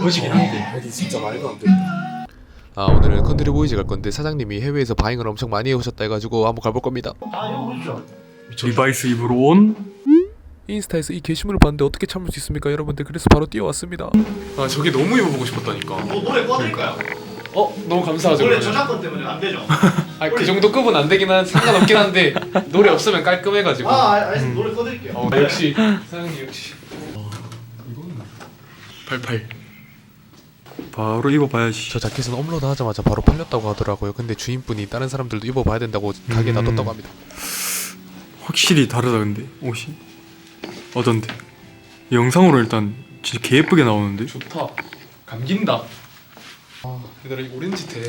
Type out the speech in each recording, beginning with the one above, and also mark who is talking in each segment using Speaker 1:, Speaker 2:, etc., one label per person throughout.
Speaker 1: 그것이긴 한데
Speaker 2: 여기 진짜 말도 안 된다.
Speaker 3: 아, 오늘은 컨트리 보이즈 갈 건데 사장님이 해외에서 바잉을 엄청 많이 해오셨다 해가지고 한번 가볼 겁니다.
Speaker 1: 리바이스 입으로 온
Speaker 3: 인스타에서 이 게시물을 봤는데 어떻게 참을 수 있습니까 여러분들? 그래서 바로 뛰어왔습니다. 아, 저게 너무 입어보고 싶었다니까.
Speaker 4: 노래 꺼드릴까요?
Speaker 3: 너무 감사하죠.
Speaker 4: 노래 저작권 때문에 안 되죠?
Speaker 3: 아, 그 정도 급은 안 되긴 상관없긴 한데 노래 없으면 깔끔해가지고.
Speaker 4: 알겠습니다. 노래 꺼드릴게요.
Speaker 3: 역시 사장님 역시. 이거는 88.
Speaker 1: 바로 입어봐야지.
Speaker 3: 저 자켓은 업로드 하자마자 바로 팔렸다고 하더라고요. 근데 주인분이 다른 사람들도 입어봐야 된다고 가게에 놔뒀다고 합니다.
Speaker 1: 확실히 다르다 근데 옷이 어떤데? 영상으로 일단 진짜 개 예쁘게 나오는데?
Speaker 3: 좋다. 감긴다. 아, 얘들아 이 오렌지 테.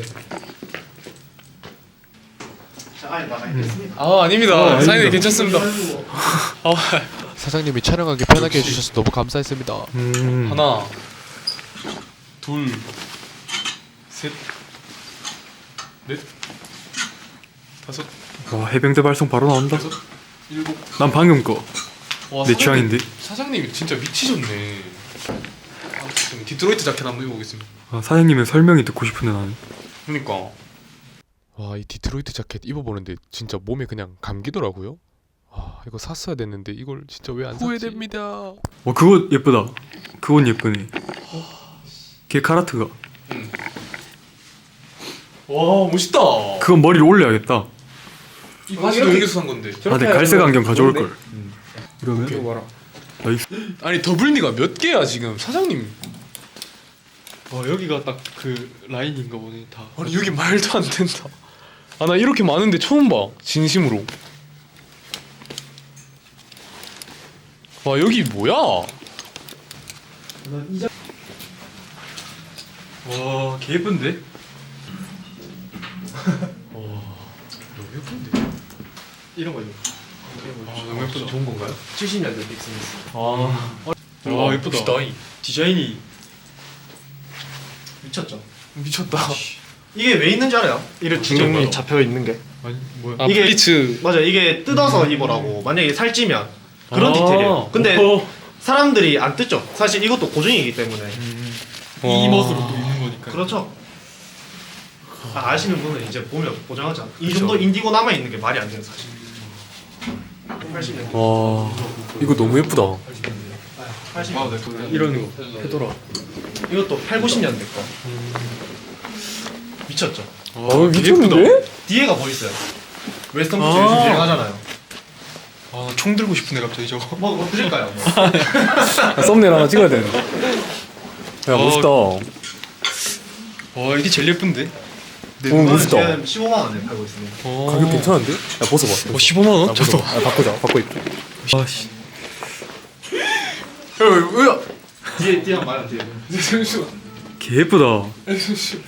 Speaker 4: 자, 아니 나가겠습니다.
Speaker 3: 아, 아닙니다.
Speaker 1: 아닙니다.
Speaker 3: 사장님 괜찮습니다. 사장님이 촬영하기 편하게 해주셔서 너무 감사했습니다. 하나, 둘, 셋, 넷, 다섯,
Speaker 1: 와 해병대 발성 바로 나온다.
Speaker 3: 여섯, 일곱.
Speaker 1: 난 방금 거
Speaker 3: 와,
Speaker 1: 내
Speaker 3: 사장님,
Speaker 1: 취향인데?
Speaker 3: 사장님이 진짜 미치셨네. 아, 지금 디트로이트 자켓 한번 입어보겠습니다.
Speaker 1: 아, 사장님의 설명이 듣고 싶은데 나는.
Speaker 3: 그러니까. 와, 이 디트로이트 자켓 입어보는데 진짜 몸에 그냥 감기더라고요. 아, 이거 샀어야 됐는데 이걸 진짜 왜 안 샀지? 후회됩니다.
Speaker 1: 와 그거 예쁘다. 그건 예쁘네. 걔 카라트가.
Speaker 3: 와, 멋있다.
Speaker 1: 그건 머리를 올려야겠다.
Speaker 3: 이 바지도 여기서 산 건데.
Speaker 1: 아, 내 갈색 안경 가져올 걸. 이러면
Speaker 3: 오케이.
Speaker 1: 나이스.
Speaker 3: 아니 더블니가 몇 개야 지금 사장님?
Speaker 2: 와 여기가 딱 그 라인인가 보네 다.
Speaker 3: 아니 여기 말도 안 된다. 아, 나 이렇게 많은데 처음 봐. 진심으로. 와, 여기 뭐야?
Speaker 1: 와, 개 예쁜데?
Speaker 3: 너무 예쁜데.
Speaker 2: 이런 거죠.
Speaker 3: 너무 예쁘다. 좋은 건가요?
Speaker 4: 70년대 빅스미스.
Speaker 2: 와 예쁘다.
Speaker 3: 멋있다. 이.
Speaker 2: 디자인이
Speaker 4: 미쳤죠?
Speaker 3: 미쳤다.
Speaker 4: 이게 왜 있는지 알아요? 이런 주름이 잡혀 있는 게.
Speaker 2: 아니 뭐야?
Speaker 3: 아,
Speaker 4: 이게-
Speaker 3: 플리츠.
Speaker 4: 맞아, 이게 뜯어서 입으라고. 만약에 살찌면 그런 디테일이에요. 근데
Speaker 2: 오.
Speaker 4: 사람들이 안 뜯죠. 사실 이것도 고정이기 때문에.
Speaker 2: 이 멋으로 또 입는 거니까.
Speaker 4: 그렇죠. 아시는 분은 이제 보면 고정하죠. 이 정도 인디고 남아 있는 게 말이 안 돼요, 사실. 80년대.
Speaker 3: 와, 이거 너무 예쁘다.
Speaker 4: 80년대.
Speaker 2: 이런 거. 페도라.
Speaker 4: 이것도 8, 90년대 거. 미쳤죠.
Speaker 3: 미쳤는데?
Speaker 4: 뒤에가 뭐 있어요? 웨스턴 부츠 요즘 유행하잖아요.
Speaker 2: 아, 총 들고 싶네 갑자기 저거.
Speaker 4: 뭐 드릴까요? 뭐.
Speaker 3: 썸네일 하나 찍어야 되는데. 야, 멋있다.
Speaker 2: 와 이게 제일 예쁜데.
Speaker 4: 이거는 지금 15만 원에 팔고 있습니다.
Speaker 3: 가격 괜찮은데? 야, 벗어봐.
Speaker 2: 15만 원? 저거.
Speaker 3: 바꾸자. 바꿔 입자.
Speaker 2: 아씨.
Speaker 3: 야,
Speaker 4: 뒤에 한번 말요 뒤에.
Speaker 3: 잠시만.
Speaker 1: 개 예쁘다.
Speaker 3: 잠시만.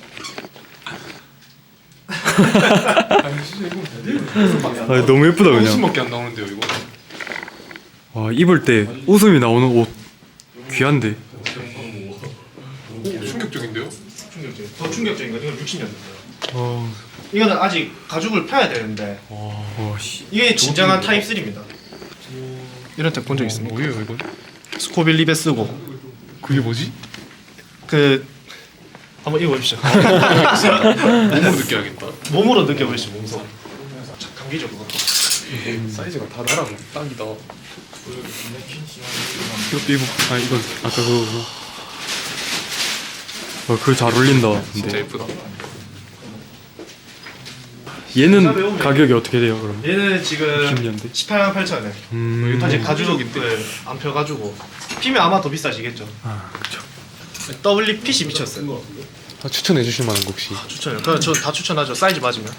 Speaker 3: 아니 진짜 이거
Speaker 1: 아, 너무 예쁘다 그냥.
Speaker 3: 웃음밖에 안 나오는데요 이거?
Speaker 1: 와 입을 때 웃음이 나오는 옷 귀한데.
Speaker 3: 오, 충격적인데요?
Speaker 4: 충격적인. 더 충격적인 건 이건 60년대.
Speaker 1: 어,
Speaker 4: 이거는 아직 가죽을 펴야 되는데
Speaker 1: 와 씨.
Speaker 4: 이게 진정한 타입 3입니다. 이런 tek 본 적 있습니까?
Speaker 3: 뭐예요 이건?
Speaker 4: 스코빌 립에 쓰고
Speaker 3: 그게 뭐지?
Speaker 4: 그 한번 입어보십시오.
Speaker 3: 몸으로 느껴야겠다.
Speaker 4: 몸으로 느껴보십시오. 몸소. 감기죠 그것도.
Speaker 3: 사이즈가 다 나랑 딱이다.
Speaker 1: 이것도 입어. 아 이건 아까 그거. 와 그거 잘 어울린다.
Speaker 3: 진짜
Speaker 1: 근데
Speaker 3: 예쁘다.
Speaker 1: 얘는 가격이 어떻게 돼요 그럼?
Speaker 4: 얘는 지금
Speaker 1: 60년대?
Speaker 4: 18만 8천원에 아직 가죽을 안 펴가지고 피면 아마 더 비싸지겠죠.
Speaker 1: 아 그쵸.
Speaker 4: 더블리 핏이 미쳤어요.
Speaker 3: 아, 추천해 주실 만한 거 혹시?
Speaker 4: 추천해요. 그럼 저 다 추천하죠. 사이즈 맞으면.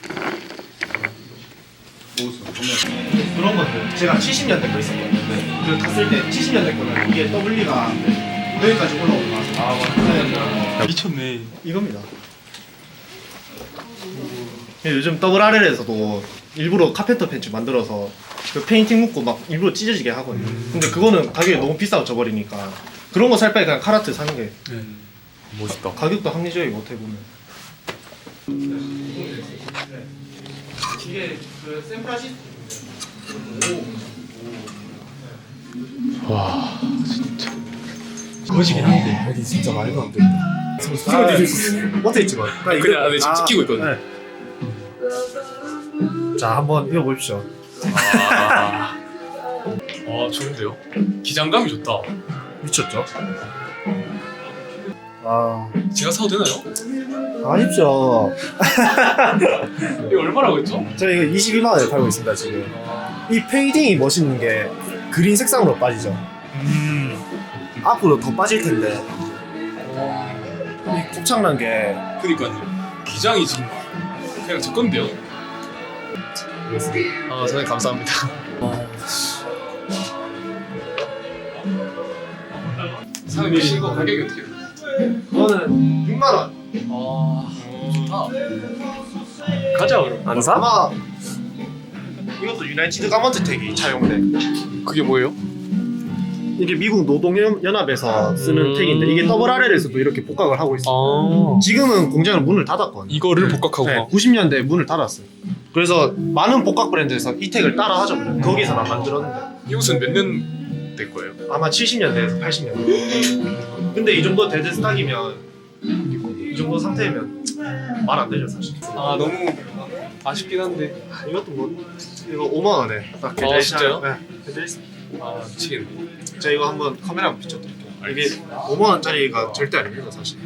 Speaker 4: 그런 것들 제가 70년대 거 있었거든요. 그 갔을 때 70년대 거는 이게 W가 여기까지 올라오고 나서
Speaker 2: 미쳤네.
Speaker 4: 이겁니다. 요즘 더블 RL에서도 일부러 카펜터 팬츠 만들어서 그 페인팅 묻고 막 일부러 찢어지게 하거든요. 근데 그거는 가격이 너무 비싸고 져버리니까 그런 거 살 바에 그냥 카라트 사는 게
Speaker 3: 멋있다.
Speaker 4: 가격도 합리적이고 어떻게 보면. 이게 그 샌프란시스코.
Speaker 3: 와, 진짜.
Speaker 2: 멋이긴 한데.
Speaker 5: 여기 진짜 말도 안 된다. 찍어드릴 수 있어요.
Speaker 4: 어떻게 찍어?
Speaker 3: 그냥 네, 지금 찍히고 있거든요.
Speaker 4: 네. 자 한번 읽어보십시오.
Speaker 3: 좋은데요? 기장감이 좋다.
Speaker 4: 미쳤죠? 아
Speaker 3: 제가 사도 되나요?
Speaker 4: 아쉽죠.
Speaker 3: 이거 얼마라고 했죠?
Speaker 4: 저 이거 22만 원에 팔고 있습니다 지금. 이 페이딩이 멋있는 게 그린 색상으로 빠지죠. 앞으로 더 빠질 텐데. 이 곱창난 게
Speaker 3: 그니까요. 기장이 지금 그냥 제 건데요. 선생님 감사합니다. 사장님 이거 가격이 어떻게 돼요?
Speaker 4: 그거는 6만 원.
Speaker 3: 좋다.
Speaker 2: 가자 그럼.
Speaker 5: 안 사?
Speaker 4: 아마 이것도 유나이티드 가먼트 택이 차용돼.
Speaker 3: 그게 뭐예요?
Speaker 4: 이게 미국 노동연합에서 쓰는 택인데 이게 더블 RL에서도 이렇게 복각을 하고 있어요. 지금은 공장을 문을 닫았거든요.
Speaker 3: 이거를 복각하고
Speaker 4: 네, 90년대에 문을 닫았어요. 그래서 많은 복각 브랜드에서 이 택을 따라 하죠. 거기서만 만들었는데
Speaker 3: 이 옷은 몇 년 될 거예요?
Speaker 4: 아마 70년대에서 80년대. 근데 이 정도 데드 스탁이면 이 정도 상태면 말 안 되죠 사실.
Speaker 3: 너무 아쉽긴 한데.
Speaker 4: 이것도 뭐 이거 5만 원에 딱 계좌
Speaker 3: 진짜요?
Speaker 4: 네, 계좌 있어요.
Speaker 3: 미치겠네.
Speaker 4: 제가 이거 한번 카메라 한번 비춰드릴게요. 이게 5만 원짜리가 절대 아닙니다 사실.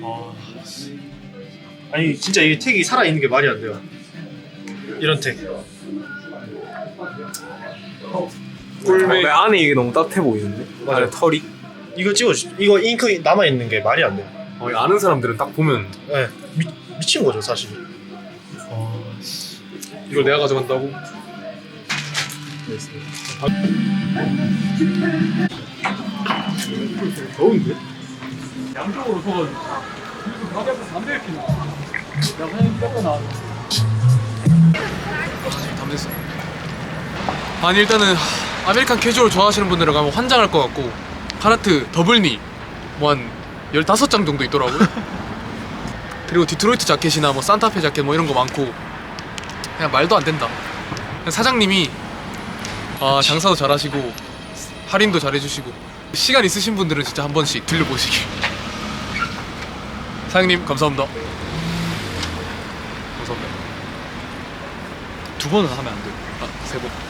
Speaker 4: 아니 진짜 이 택이 살아 있는 게 말이 안 돼요. 이런 택.
Speaker 5: 꿀매 안에 이게 너무 따뜻해 보이는데?
Speaker 4: 맞아요.
Speaker 5: 안에 털이?
Speaker 4: 이거 찍어주십시오. 이거 잉크 남아 있는 게 말이 안 돼요.
Speaker 5: 아는 사람들은 딱 보면
Speaker 4: 네, 미친 거죠 사실.
Speaker 3: 이걸 내가 가져간다고?
Speaker 2: 더운데? 양쪽으로 서가지고. 가게에서 담배 이렇게 나. 야 사장님 뺏고 나.
Speaker 3: 담됐어. 아니 일단은 아메리칸 캐주얼 좋아하시는 분들은 가면 환장할 것 같고 카라트 더블니 뭐 한 15장 정도 있더라고요. 그리고 디트로이트 자켓이나 뭐 산타페 자켓 뭐 이런 거 많고 그냥 말도 안 된다. 그냥 사장님이 장사도 잘하시고 할인도 잘해주시고 시간 있으신 분들은 진짜 한 번씩 들려보시길. 사장님 감사합니다. 감사합니다.
Speaker 2: 두 번은 하면 안 돼.
Speaker 3: 3번.